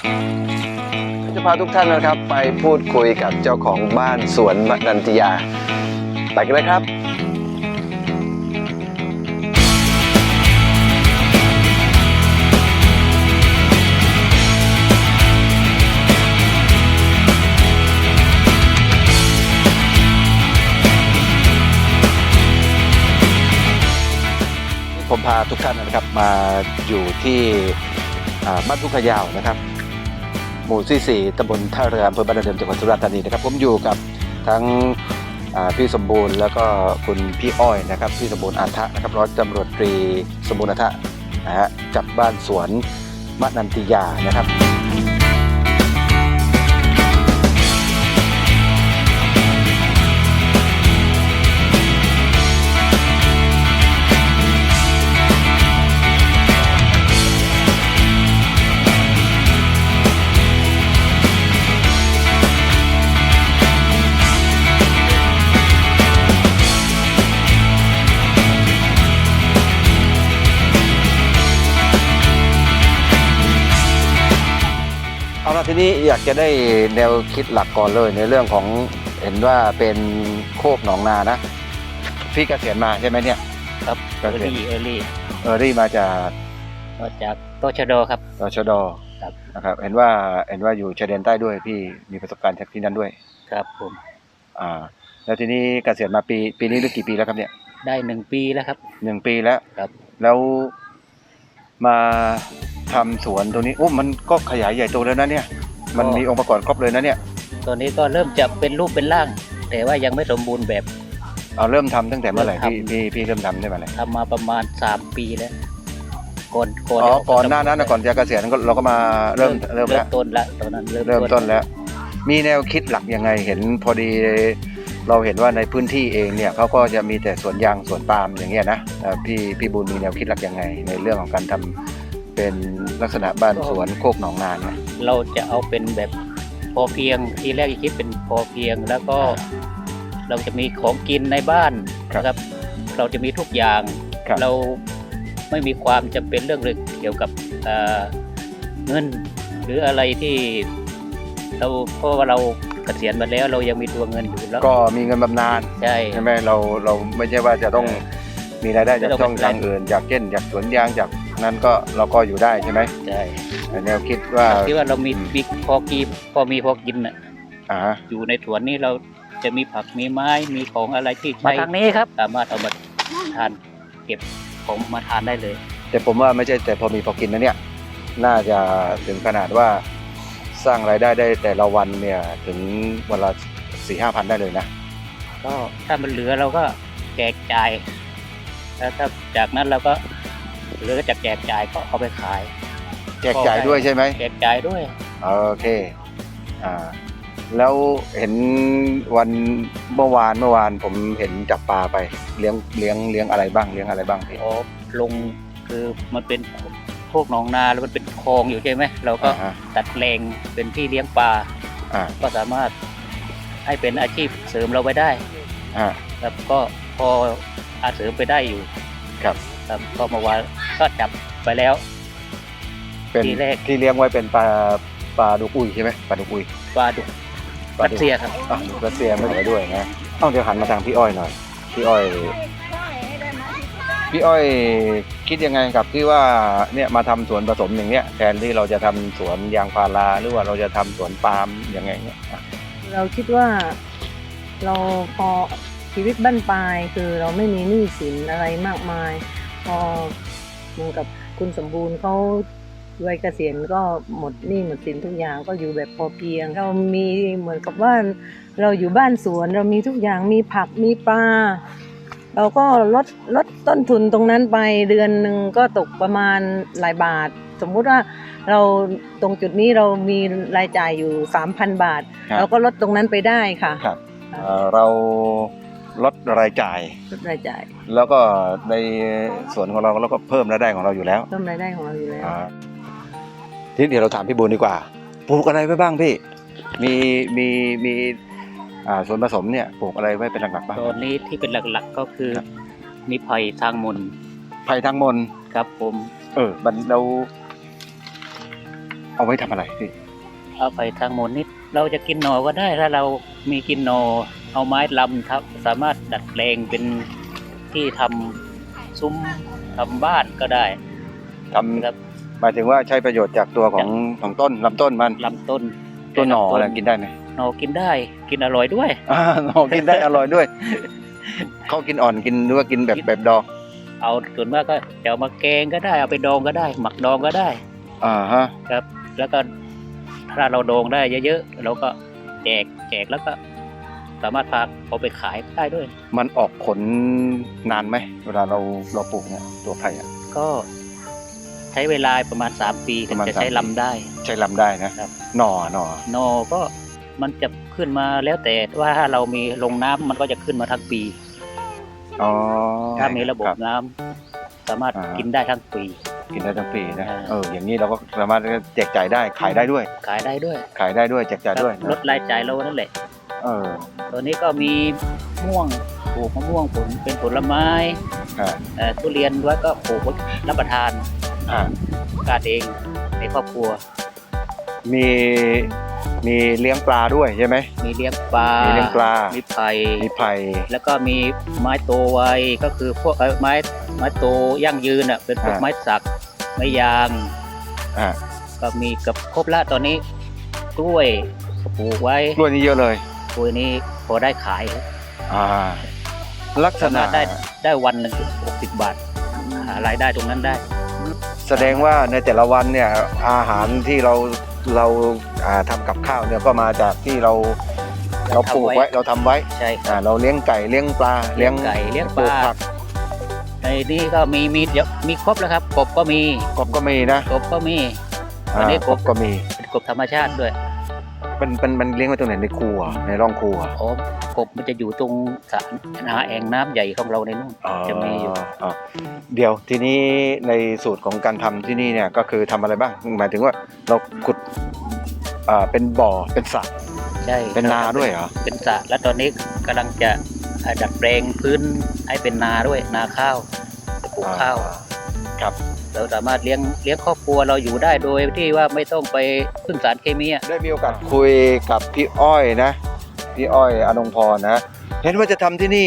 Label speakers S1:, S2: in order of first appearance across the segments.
S1: จะพาทุกท่านนะครับไปพูดคุยกับเจ้าของบ้านสวนมนันติยาไปกันเลยครับผมพาทุกท่านนะครับมาอยู่ที่บ้านทุ่งขยาวนะครับหมู่ที่4ตำบลท่าเรืออำเภอบ้านนาเดิมจังหวัดสุราษฎร์ธานีนะครับผมอยู่กับทั้งพี่สมบูรณ์แล้วก็คุณพี่อ้อยนะครับพี่สมบูรณ์อาทะนะครับร้อยตำรวจตรีสมบูรณ์อาทะนะฮะกับบ้านสวนมนันติยานะครับเอาละทีนี้อยากจะได้แนวคิดหลักก่อนเลยในเรื่องของเห็นว่าเป็นโคกหนองนานะพี่เกษียณมาใช่ไหมเนี่ย
S2: ครับเออ
S1: รี่มาจาก
S2: ตชดครับ
S1: ตชด
S2: ครับ
S1: นะครับเห็นว่าอยู่ชายแดนใต้ด้วยพี่มีประสบการณ์จากที่นั่นด้วย
S2: ครับผม
S1: แล้วทีนี้เกษียณมาปีนี้หรือกี่ปีแล้วครับเนี่ย
S2: ได้1 ปีแล้วครับ
S1: 1 ปีแล้ว
S2: ครับ
S1: แล้วมาทำสวนตรงนี้โอ้มันก็ขยายใหญ่โตแล้วนะเนี่ยมันมีองค์ประกอบครบเลยนะเนี่ย
S2: ตอนนี้ก็เริ่มจะเป็นรูปเป็นร่างแต่ว่ายังไม่สมบูรณ์แบบ
S1: เริ่มทำตั้งแต่เมื่อไหร่พี่เริ่มทำได้เมื่อไหร่
S2: ทำมาประมาณ3 ปีแล้ว
S1: ก่อนหน้านั้นก่อนจะเกษียณเราก็มาเริ่ม
S2: ต้นแล้วตอนนั้น
S1: เริ่มต้นแล้วมีแนวคิดหลักยังไงเห็นพอดีเราเห็นว่าในพื้นที่เองเนี่ยเขาก็จะมีแต่สวนยางสวนปาล์มอย่างเงี้ยนะพี่บุญมีแนวคิดหลักยังไงในเรื่องของการทำเป็นลักษณะบ้านสวนโคกหนองนาเนี่ย
S2: เราจะเอาเป็นแบบพอเพียงทีแรกคิดเป็นพอเพียงแล้วก็เราจะมีของกินในบ้านนะครับเราจะมีทุกอย่างเราไม่มีความจำเป็นเรื่องเกี่ยวกับเงินหรืออะไรที่เพราะว่าเราเกษียณมาแล้วเรายังมีตัวเงินอยู่แล้ว
S1: ก็มีเงินบำนาญใช่ไหมเราไม่ใช่ว่าจะต้องมีรายได้จากช่องทางอื่นจากสวนยางจากนั้นก็เราก็อยู่ได้ใช่ไหม
S2: ใช่
S1: แนวคิดว่า
S2: เรามีพอกินน่ะอยู่ในสวนนี้เราจะมีผักมีไม้มีของอะไรที่ใช้ทางนี้ครับสามารถเอามาทานเก็บของมาทานได้เลย
S1: แต่ผมว่าไม่ใช่แต่พอมีพอกินนะเนี่ยน่าจะถึงขนาดว่าสร้างรายได้ได้แต่ละวันเนี่ยถึงวันละ 4-5 พันได้เลยนะ
S2: ก็ถ้ามันเหลือเราก็แจกจ่ายแล้วถ้าจากนั้นเราก็เหลือก็จะแจกจ่ายก็เอาไปขาย
S1: แจกจ่ายด้วยใช่ไหม
S2: แจกจ่ายด้วย
S1: โอเคแล้วเห็นวันเมื่อวานผมเห็นจับปลาไปเลี้ยงอะไรบ้างพี่
S2: ลงคือมันเป็นโคกหนองนาแล้วมันเป็นคลองอยู่ใช่ไหมเราก็ตัดแปลงเป็นที่เลี้ยงปลาก็สามารถให้เป็นอาชีพเสริมเราไปได้แล้วก็พออาเสริมไปได้อยู่
S1: ครับ
S2: ก็เมื่อวานก็จับไปแล้ว
S1: เป็นที่เลี้ยงไว้เป็นปลาดุกอุยใช่ไหมปลาดุก
S2: รัสเซียครับ
S1: รัสเซียไม่เหลือด้วยนะต้องเดี๋ยวหันมาทางพี่อ้อยหน่อยพี่อ้อยคิดยังไงกับที่ว่าเนี่ยมาทำสวนผสมอย่างเนี้ยแทนที่เราจะทำสวนยางพาราหรือว่าเราจะทำสวนปาล์มอย่างไงเนี่ย
S3: เราคิดว่าเราพอชีวิตบั้นปลายคือเราไม่มีหนี้สินอะไรมากมายพอเหมือนกับคุณสมบูรณ์เขาวัยเกษียณก็หมดหนี้หมดสินทุกอย่างก็อยู่แบบพอเพียงเรามีเหมือนกับว่าเราอยู่บ้านสวนเรามีทุกอย่างมีผักมีปลาเราก็ลดต้นทุนตรงนั้นไปเดือนหนึ่งก็ตกประมาณหลายบาทสมมุติว่าเราตรงจุดนี้เรามีรายจ่ายอยู่ 3,000 บาทเราก็ลดตรงนั้นไปได้ค่ะ
S1: ครับเราลดรายจ่ายแล้วก็ในส่วนของเราก็เพิ่มรายได้ของเราอยู่แล้วทีนี้เดี๋ยวเราถามพี่บุญดีกว่าปลูกอะไรไว้บ้างพี่มีส่วนผสมเนี่ยปลูกอะไรไว้เป็นหลักๆบ้าง
S2: ตอนนี้ที่เป็นหลักๆก็คือมีไผ่ทางมน
S1: ครับผม
S2: เรา
S1: เอาไว้ทำอะไรพี่
S2: เอาไปทางโมนิดเราจะกินหน่อก็ได้ถ้าเรามีกินหน่อเอาไม้ลำครับสามารถดัดแปลงเป็นที่ทำซุ้มทำบ้านก็ได้
S1: ทำ
S2: ครับ
S1: หมายถึงว่าใช้ประโยชน์จากตัวของต้นลำต้นมัน
S2: ลำต้น
S1: ตัวหน่ออะไรกินได้ไหม
S2: หน่อกินได้กินอร่อยด้วย
S1: หน่อกินได้อร่อยด้วย เขากินอ่อนกินหรือว่ากินแบบดอง
S2: เอาส่วนมากก็จะเอามาแกงก็ได้เอาไปดองก็ได้ หมักดองก็ได้
S1: ฮะ
S2: ครับ แล้วก็ถ้าเราดองได้เยอะๆเราก็แจกแล้วก็สามารถพาเอาไปขายได้ด้วย
S1: มันออกผลนานไหมเวลาเราปลูกเนี่ยตัวไผ่อะ
S2: ก็ใช้เวลาประมาณ3 ปีถึงจะใช้ลำได้
S1: ใช้ลำได้นะครับ หน่อ
S2: หน่อก็มันจะขึ้นมาแล้วแต่ว่าถ้าเรามีลงน้ำมันก็จะขึ้นมาทั้งปี
S1: อ๋อ
S2: ถ้ามีระบบ
S1: ค
S2: น้ำสามารถ
S1: อ่ากิ
S2: กินได้ทั้งปี
S1: กินได้ทั้งปีนะ
S2: อ่า
S1: อย่างนี้เราก็สามารถแจกจ่ายได้ขายได้ด้วย
S2: ขายได้ด้วย
S1: ขายได้ด้วยแจกจ่ายด้วย
S2: ลดรายจ่ายเรานั่นแหละ
S1: เออ
S2: ตัวนี้ก็มีม่วงปลูกมะม่วงเป็นผลไม้
S1: อ่า
S2: ทุเรียนไว้ก็ปลูกไว้รับประทาน
S1: อ่า
S2: การเองในครอบครัว
S1: มีเลี้ยงปลาด้วยใช่ไหม
S2: มีเลี้ยงปลา
S1: มีเลี้ยงปลา
S2: มีไผ่
S1: มีไผ่
S2: แล้วก็มีไม้โตไวก็คือพวกไม้โตยั่งยืนอ่ะเป็นพวกไม้สักไม้ยาง
S1: อ่า
S2: ก็มีกับครบละตอนนี้กล้วยก็ปลูกไว้
S1: กล้วยนี่เยอะเลย
S2: กล้วยนี้พอได้ขาย
S1: ลักษ
S2: สา
S1: ณะ
S2: มารถได้วันหนึ่ง60 บาทหารายได้ตรงนั้นได้
S1: แสดงว่าในแต่ละวันเนี่ยอาหารที่เราทำกับข้าวเนี่ยก็มาจากที่เราปลูกไว้เราทำไว้
S2: ใช่ครับ
S1: เราเลี้ยงไก่เลี้ยงปลา
S2: เลี้ยงไก่เลี้ยงปลา
S1: ลูกผัก
S2: ในนี้ก็มีครบแล้วครับกบก็มี
S1: กบก็มีนะ
S2: กบก็มี อันนี้
S1: กบก็มี
S2: เป็นกบธรรมชาติด้วย
S1: มันเลี้ยงไว้ตรงไหนในครัวในร่องครัว
S2: อ๋อกบมันจะอยู่ตรงสระแอ่งน้ำใหญ่ของเราในนู่นจะมีอยู่
S1: เดี๋ยวทีนี้ในสูตรของการทำที่นี่เนี่ยก็คือทำอะไรบ้างหมายถึงว่าเราขุดเป็นบ่อเป็นสระ
S2: ใช่
S1: เป็นนาด้วยเหรอ
S2: เป็นสระแล้วตอนนี้กำลังจะดัดแปลงพื้นให้เป็นนาด้วยนาข้าวจะปลูกข้าว
S1: ครับ
S2: เราสามารถเลี้ยงครอบครัวเราอยู่ได้โดยที่ว่าไม่ต้องไปพึ่งสารเคมีอะ
S1: ได้มีโอกาสคุยกับพี่อ้อยนะพี่อ้อยอนงพรนะเห็นว่าจะทำที่นี่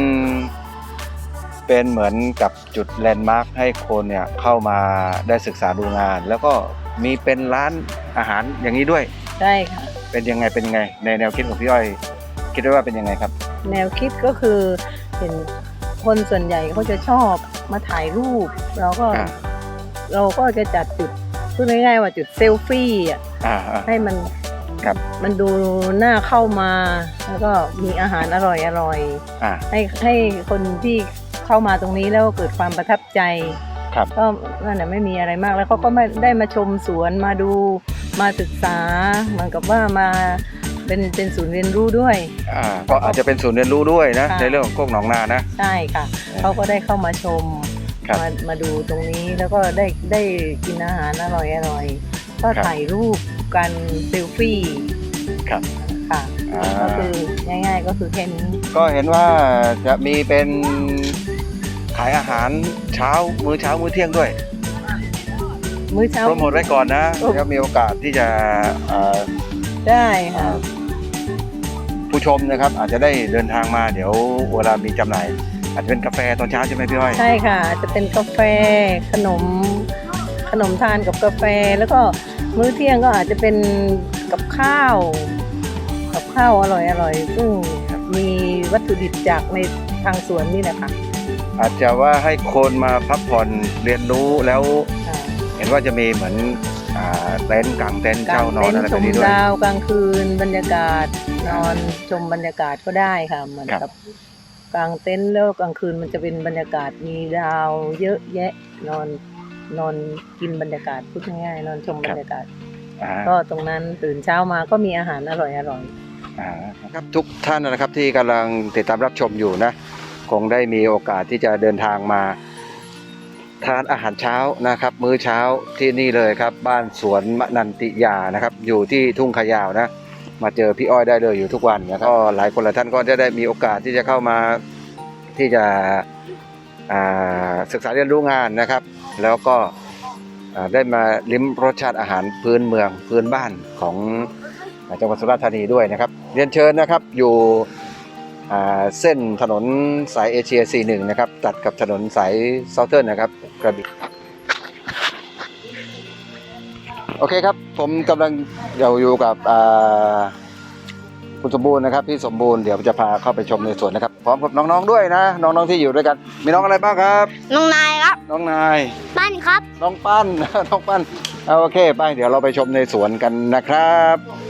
S1: เป็นเหมือนกับจุดแลนด์มาร์คให้คนเนี่ยเข้ามาได้ศึกษาดูงาน แล้วก็มีเป็นร้านอาหารอย่างนี้ด้วย
S3: ใช่ค่ะ
S1: เป็นยังไงในแนวคิดของพี่อ้อยคิดว่าเป็นยังไงครับ
S3: แนวคิดก็คือเห็นคนส่วนใหญ่เขาจะชอบมาถ่ายรูปเราก็จะจัดจุดพูดง่ายๆว่าจุดเซลฟี่อ่ะ ให้มัน
S1: ครับ
S3: มันดูน่าเข้ามา แล้วก็มีอาหารอร่อย ให้คนที่เข้ามาตรงนี้แล้วเกิดความประทับใจ
S1: ครับ
S3: ก็นั่นแหละไม่มีอะไรมากแล้วเขาก็ไม่ได้มาชมสวนมาดูมาศึกษาเหมือนกับว่ามาเป็นศูนย์เรียนรู้ด้วย
S1: ก็อาจจะเป็นศูนย์เรียนรู้ด้วยนะ
S3: ค่ะ
S1: ในเรื่องของโคกหนองนานะ
S3: ใช่ค่ะเขาก็ได้เข้ามาชม
S1: ครับ
S3: มาดูตรงนี้แล้วก็ได้กินอาหารอร่อยก็
S1: ครับ
S3: ถ่ายรูปกันเซลฟี่
S1: ครับ
S3: ค่ะก็คือง่ายๆก็คือแค่นี้
S1: ก็เห็นว่าจะมีเป็นขายอาหารมื้อเช้ามื้อเที่ยงด้วย
S3: มื้อเช้า
S1: โปรโมทไว้ก่อนนะ
S3: โอ้
S1: แล้วมีโอกาสที่จะ
S3: ได้ค่ะ
S1: ผู้ชมนะครับ อาจจะได้เดินทางมาเดี๋ยวเวลามีจำหน่าย อาจจะเป็นกาแฟตอนเช้าใช่ไหมพี่อ้อย
S3: ใช่ค่ะจะเป็นกาแฟขนมทานกับกาแฟแล้วก็มื้อเที่ยงก็อาจจะเป็นกับข้าวอร่อยซึ่งมีวัตถุดิบจากในทางสวนนี่แหละค่ะ
S1: อาจจะว่าให้คนมาพักผ่อนเรียนรู้แล้วเห็นว่าจะมีเหมือนเต็นท์กางเต็นท์เช่านอนอะไร
S3: ช
S1: แบบ
S3: ม
S1: นี้ด้วย
S3: ดาวกลางคืนบรรยากาศนอนชมบรรยากาศก็ได้ค่ะเหมือน
S1: ครับ
S3: กับกลางเต็นท์แล้วกลางคืนมันจะเป็นบรรยากาศมีดาวเยอะแยะนอนกินบรรยากาศพูดง่ายๆนอนชมบรรยากาศ ก็ตรงนั้นตื่นเช้ามาก็มีอาหารอร่อย
S1: ครับทุกท่านนะครับที่กำลังติดตามรับชมอยู่นะคงได้มีโอกาสที่จะเดินทางมาทานอาหารเช้านะครับมื้อเช้าที่นี่เลยครับบ้านสวนมนันติยานะครับอยู่ที่ทุ่งขยาวนะมาเจอพี่อ้อยได้เลยอยู่ทุกวันนะครับก็หลายคนหลายท่านก็จะได้มีโอกาสที่จะเข้ามาที่จะศึกษาเรียนรู้งานนะครับแล้วก็ได้มาลิ้มรสชาติอาหารพื้นเมืองพื้นบ้านของจังหวัดสุราษฎร์ธานีด้วยนะครับเรียนเชิญนะครับอยู่เส้นถนนสายเอเชีย 41 นะครับตัดกับถนนสายเซาเทิร์นนะครับกระบี่โอเคครับผมกำลังอยู่กับคุณสมบูรณ์นะครับพี่สมบูรณ์เดี๋ยวจะพาเข้าไปชมในสวนนะครับพร้อมกับน้องๆด้วยนะน้องๆที่อยู่ด้วยกันมีน้องอะไรบ้างครับ
S4: น้องนายครับ
S1: น้องนาย
S4: บ้านครับ
S1: น้องปั้น น้องปั้นเอาโอเคไปเดี๋ยวเราไปชมในสวนกันนะครับ